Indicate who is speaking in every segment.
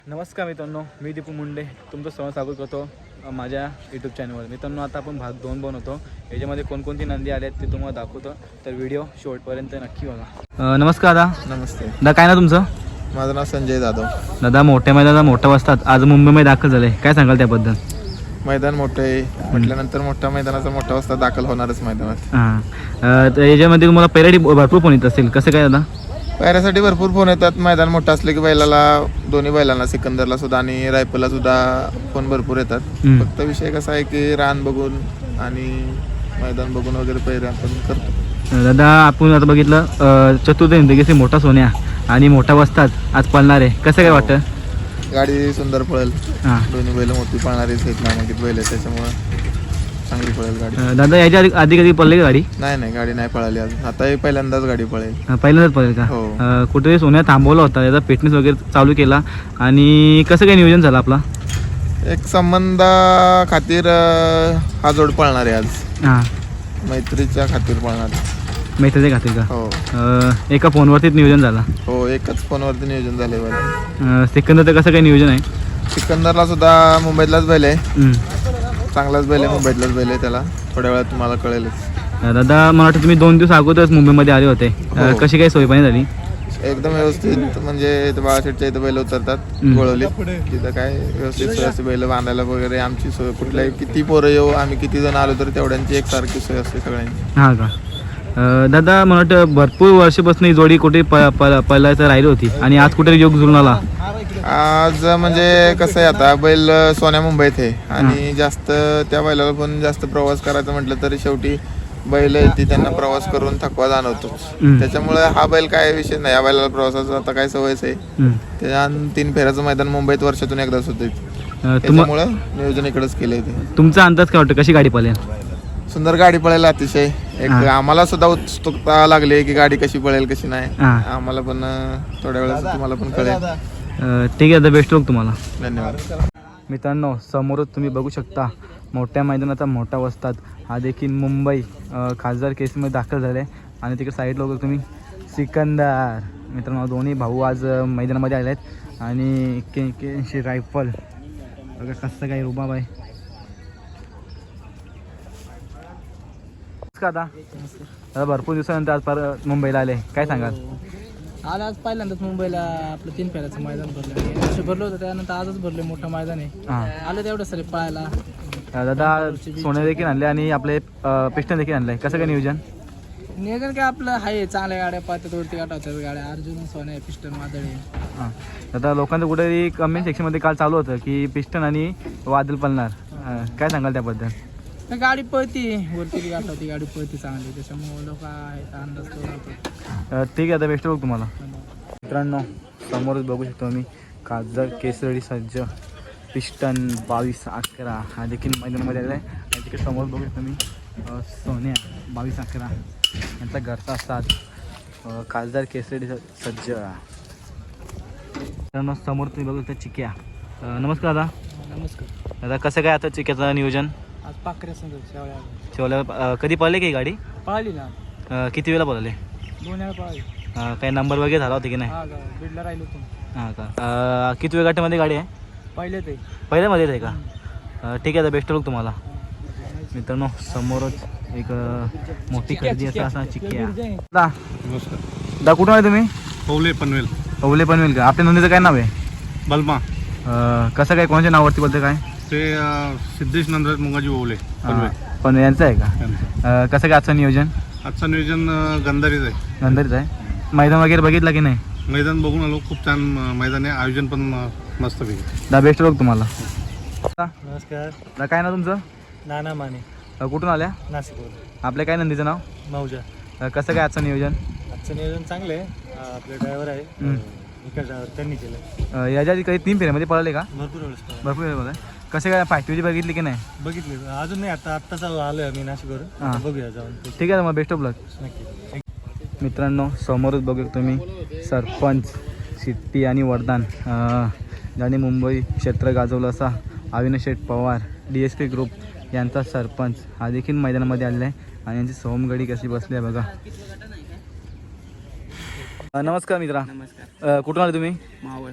Speaker 1: नमस्कार मित्रांनो, मी दीपू मुंडे तुमचं सहज स्वागत करतो माझ्या यूट्यूब चॅनलवर. मित्रांनो, आता आपण भाग 2 बनवतो. याच्यामध्ये कोणकोणती नंदी आले आहेत ते तुम्हाला दाखवतो, तर व्हिडिओ शेवटपर्यंत नक्की बघा. नमस्कार दादा.
Speaker 2: नमस्ते
Speaker 1: दादा, काय ना तुमचं?
Speaker 2: माझं नाव संजय जाधव.
Speaker 1: दादा, मोठ्या मैदानात मोठा वाजतात आज मुंबईमध्ये दाखल झाले, काय सांगाल त्याबद्दल?
Speaker 2: मैदान मोठं आहे म्हटल्यानंतर मोठ्या मैदानाचा मोठा वाजता दाखल होणारच मैदानात.
Speaker 1: हां, तर याच्यामध्ये तुम्हाला पहिल्यासाठी भरपूर फोन येत असेल, कसं काय दादा?
Speaker 2: पायऱ्यासाठी भरपूर फोन येतात. मैदान मोठं असले की बैलाला, दोन्ही बैलांना, सिकंदरला सुद्धा आणि रायफलला सुद्धा फोन भरपूर येतात. फक्त विषय कसा आहे की रान बघून आणि मैदान बघून वगैरे पैरे आपण करतो.
Speaker 1: दादा, आपण आता बघितलं चतुर्थ हिंदकेसरी मोठा सोन्या आणि मोठा वस्ताद आज पळणार आहे, कसं काय वाटतं?
Speaker 2: गाडी सुंदर पळेल.
Speaker 1: हां
Speaker 2: दोन्ही बैल मोठी पळणारीच आहेत, नामांकित बैल आहेत, त्याच्यामुळे चांगली पळेल गाडी.
Speaker 1: दादा, याच्या आधी कधी पडली का गाडी?
Speaker 2: नाही, गाडी नाही पळाली अजून. आता पहिल्यांदाच गाडी पळेल.
Speaker 1: पहिल्यांदाच पडेल का?
Speaker 2: हो.
Speaker 1: कुठेतरी सोन्या थांबवला होता, याचा फिटनेस वगैरे चालू केला आणि कसं काय नियोजन झालं आपला?
Speaker 2: एक संबंधा खातीर हा जोड पळणार आहे आज.
Speaker 1: हां,
Speaker 2: मैत्रीच्या खातीर पळणार.
Speaker 1: मैत्रीच्या खातीर का?
Speaker 2: हो
Speaker 1: एका फोनवरतीच नियोजन झाला.
Speaker 2: हो, एकच फोनवरती नियोजन झाले बरं.
Speaker 1: सिकंदरचं कसं काय नियोजन आहे?
Speaker 2: सिकंदरला सुद्धा मुंबईतलाच बैल आहे, चांगलाच बैल आहे, मुंबईतलाच बैल आहे. त्याला थोड्या वेळात तुम्हाला कळेलच.
Speaker 1: दादा, मला वाटतं तुम्ही 2 दिवस अगोदरच मुंबईमध्ये आले होते.
Speaker 2: हो.
Speaker 1: कशी काय सोयपाणी झाली?
Speaker 2: एकदम व्यवस्थित, म्हणजे इथं बाळाशेठच्या इथं बैल उतरतात गोळवलीत, तिथं काय व्यवस्थित सोय असते. बैल बांधायला वगैरे आमची सोय, कुठल्याही किती पोरं येऊ, आम्ही किती जण आलो तर तेवढ्यांची एकसारखी सोय असते सगळ्यांची.
Speaker 1: हां का? दादा, मला वाटतं भरपूर वर्षापासून ही जोडी कुठे पळायचं राहिली होती आणि आज कुठे योग जुळून आला.
Speaker 2: आज म्हणजे कसं आहे, आता बैल सोन्या मुंबईत आहे आणि जास्त त्या बैलाला पण जास्त प्रवास करायचा म्हटलं तरी शेवटी बैल ती त्यांना प्रवास करून थकवा जाणवतो. त्याच्यामुळे हा बैल काय विषय नाही, या बैलाला प्रवासाचा आता काय सवयच आहे. त्या 3 फेऱ्याचं मैदान मुंबईत वर्षातून एकदाच होते, त्याच्यामुळे नियोजन इकडेच केलंय. ते
Speaker 1: तुमचा अंदाज काय वाटतं, कशी गाडी पळेल?
Speaker 2: सुंदर गाडी पळेल अतिशय. एक आम्हाला सुद्धा उत्सुकता लागली की गाडी कशी पळेल कशी नाही. आम्हाला पण थोड्या वेळात तुम्हाला पण कळेल.
Speaker 1: ठीक आहे दादा, बेस्ट ऑफ तुम्हाला.
Speaker 2: धन्यवाद.
Speaker 1: मित्रांनो, समोरच तुम्ही बघू शकता मोठ्या मैदानाचा मोठा वस्ताद हा देखील मुंबई खासदार केसमध्ये दाखल झाले आणि तिकडे साईडला वगैरे तुम्ही सिकंदर. मित्रांनो, दोन्ही भाऊ आज मैदानामध्ये आले आहेत आणि के रायफल बघा कसं काय रुबाब आहे. दादा, भरपूर दिवसानंतर आज परत मुंबईला आले, काय सांगाल?
Speaker 3: आज पहिल्यांदाच मुंबईला आपलं 3 फेऱ्याचं मैदान भरलं. वर्ष भरलं होतं, त्यानंतर आजच भरले. मोठं मैदान आहे, आलं तेवढं सर पळायला.
Speaker 1: दादा, सोने देखील आणले आणि आपले पिस्टन देखील आणले, कसं काय नियोजन?
Speaker 3: नियोजन काय आपलं आहे, चांगल्या गाड्या पाहतात, वरती गाठाच्या गाड्या, अर्जुन, सोने, पिस्टन, वादळ.
Speaker 1: हां, दादा, लोकांचं कुठेतरी कमेंट सेक्शनमध्ये काल चालू होतं की पिस्टन आणि वादळ पळणार, काय सांगाल त्याबद्दल?
Speaker 3: गाडी पळती, वरती गाठावती गाडी पळती चांगली, त्याच्यामुळे लोक आहेत अंदाज तो.
Speaker 1: ठीक आहे, आता बेस्ट बघ तुम्हाला. मित्रांनो, समोरच बघू शकतो आम्ही खासदार केसरी सज्ज पिस्टन 22-11 हा देखील मैदानामध्ये आलेला आहे आणि तिकडे समोर बघू शकतो मी सोन्या 22-11 यांचा घरचा साथ खासदार केसरी सज्ज. मित्रांनो, समोर तुम्ही बघू शकता चिक्या. नमस्कार दादा.
Speaker 3: नमस्कार
Speaker 1: दादा, कसं काय आता चिक्याचं नियोजन?
Speaker 3: आज पाखऱ्या संघ
Speaker 1: शेवल्या कधी पळले की गाडी?
Speaker 3: पळाली ना,
Speaker 1: किती वेळा पळले?
Speaker 3: 2 वेळा पळाली.
Speaker 1: काही नंबर वगैरे झाला होता की नाही?
Speaker 3: बीडला राहिलो होतो.
Speaker 1: हां का? किती वेळ गाठीमध्ये गाडी आहे?
Speaker 3: पहिले ते
Speaker 1: पहिल्यामध्येच आहे का? ठीक आहे, बेस्ट लुक तुम्हाला. मित्रांनो, समोरच एक मोठी खरेदी असा चिक्की आहे. दा कुठून आहे तुम्ही?
Speaker 4: पवले पनवेल.
Speaker 1: पवले पनवेल का? आपल्या नंदीचं काय नाव आहे?
Speaker 4: बलमा.
Speaker 1: कसं काय, कोणाच्या नावावरती बोलते काय?
Speaker 4: ते सिद्धेश नंदराज मुंगाजी ओवले पनवेल.
Speaker 1: पण यांचं आहे का? कसं काय आजचं नियोजन?
Speaker 4: आजचं नियोजन गंधारीच आहे.
Speaker 1: नंदरीच आहे. मैदान वगैरे बघितलं की नाही?
Speaker 4: मैदान बघून आलो, खूप छान मैदान आहे, आयोजन पण मस्त पैकी.
Speaker 1: दा बेस्ट लुक तुम्हाला.
Speaker 3: नमस्कार.
Speaker 1: दा, काय नाव तुमचं?
Speaker 3: नाना माने,
Speaker 1: कुठून आल्या?
Speaker 3: नाशिक.
Speaker 1: आपल्या काय नंदीचं नाव?
Speaker 3: मौजा.
Speaker 1: कसं काय आजचं नियोजन?
Speaker 3: आजचं नियोजन चांगलं आहे. आपले ड्रायव्हर आहे, इकडे ड्रायव्हर त्यांनी केलं.
Speaker 1: याच्या आधी काही 3 फेऱ्यामध्ये पळाले का?
Speaker 3: भरपूर वेळेस
Speaker 1: भरपूर वेळ बघा. कसं काय फायटिवची बघितली की नाही?
Speaker 3: बघितले, अजून नाही. आत्ताच आलोय आम्ही नाशिकवरून, बघूया जाऊन.
Speaker 1: ठीक आहे, मग बेस्ट ऑफ लक.
Speaker 3: नक्की.
Speaker 1: मित्रांनो, समोरच बघू तुम्ही सरपंच सिट्टी आणि वरदान ज्याने मुंबई क्षेत्र गाजवलं असा अविनाश शेठ पवार DSP ग्रुप यांचा सरपंच हा देखील मैदानामध्ये आलेला आहे आणि यांची सोमगडी कशी बसली आहे बघा. नमस्कार मित्रा.
Speaker 3: नमस्कार.
Speaker 1: कुठून आले तुम्ही?
Speaker 3: मावळ.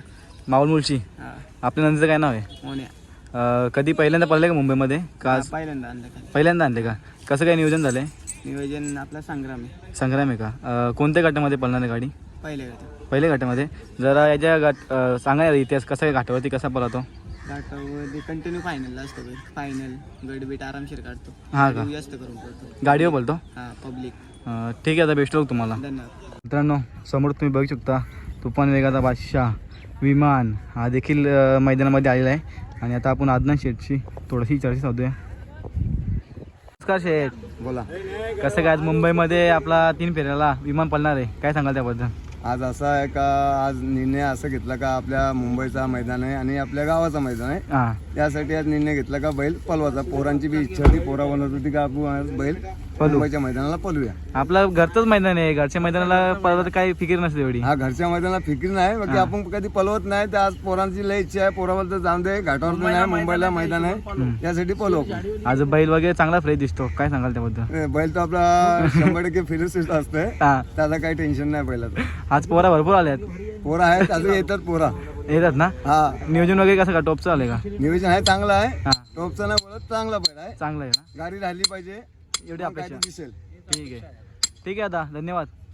Speaker 1: माऊल मुळशी.
Speaker 3: हा
Speaker 1: आपल्या नंदीचं काय नाव आहे?
Speaker 3: मोन्या.
Speaker 1: कधी पहिल्यांदा पडले का मुंबईमध्ये का आज
Speaker 3: पहिल्यांदा आणलं का
Speaker 1: पहिल्यांदा आणले का? कसं काय नियोजन झालं आहे?
Speaker 3: नियोजन आपला संग्राम आहे.
Speaker 1: संग्राम आहे का? कोणत्या गटामध्ये पडणार आहे गाडी?
Speaker 3: पहिले गट
Speaker 1: पहिल्या घाटामध्ये. जरा याच्या सांगा यार इतिहास कसा आहे, घाटावरती कसा पळतो?
Speaker 3: घाटावर कंटिन्यू फायनलला असतो बैल. फायनल गडबीट आरामशीर काढतो.
Speaker 1: हा का?
Speaker 3: जास्त करून पडतो
Speaker 1: गाडीवर बोलतो.
Speaker 3: हा पब्लिक.
Speaker 1: ठीक आहे, आता बेस्ट ऑफ तुम्हाला.
Speaker 3: धन्यवाद.
Speaker 1: मित्रांनो समोर तुम्ही बघू शकता तुफान वेगाचा बादशाह विमान हा देखील मैदानामध्ये आलेला आहे. आणि आता आपण आदनान शेठची थोडीशी चर्चा साधूया. नमस्कार शेठ.
Speaker 5: बोला.
Speaker 1: कसं काय आज मुंबईमध्ये आपला 3 फेऱ्याला विमान पडणार आहे, काय सांगाल त्याबद्दल?
Speaker 5: आज असं आहे का, आज निर्णय असं घेतला का आपल्या मुंबईचा मैदान आहे आणि आपल्या गावाचा मैदान आहे.
Speaker 1: हां
Speaker 5: त्यासाठी आज निर्णय घेतला का बैल पलवाचा. पोरांची बी इच्छा होती, पोरा बनवत होती का आपण आज बैल मुंबईच्या मैदानाला पलवूया.
Speaker 1: आपलं घरचंच मैदान आहे, घरच्या मैदानाला पळायला काही फिकीर नसते एवढी.
Speaker 5: हा घरच्या मैदानाला फिकीर नाही, बाकी आपण कधी पलवत नाही. तर आज पोरांची लय इच्छा आहे, पोराबद्दल जाऊन दे. घाटावर नाही, मुंबईला मैदान आहे, त्यासाठी पलवू आपण.
Speaker 1: आज बैल वगैरे चांगला फ्रेश दिसतो, काय सांगाल त्याबद्दल?
Speaker 5: बैल तो आपला 100% फिरस्थित असतोय,
Speaker 1: हां
Speaker 5: त्याला काही टेन्शन नाही बैलाचं.
Speaker 1: आज पोरा भरपूर आल्यात.
Speaker 5: पोरा आहेत, अजून येतात पोरा.
Speaker 1: येतात ना?
Speaker 5: हा
Speaker 1: नियोजन वगैरे कसं का टॉपचं आलं का?
Speaker 5: नियोजन आहे, चांगलं आहे.
Speaker 1: हां
Speaker 5: टोपचा नाही बोलत, चांगला बैल आहे.
Speaker 1: चांगला आहे ना?
Speaker 5: गाडी राहिली पाहिजे,
Speaker 1: एवढी
Speaker 5: काय
Speaker 1: अपेक्षा.
Speaker 5: दिसेल.
Speaker 1: ठीक आहे, ठीक आहे, आता धन्यवाद.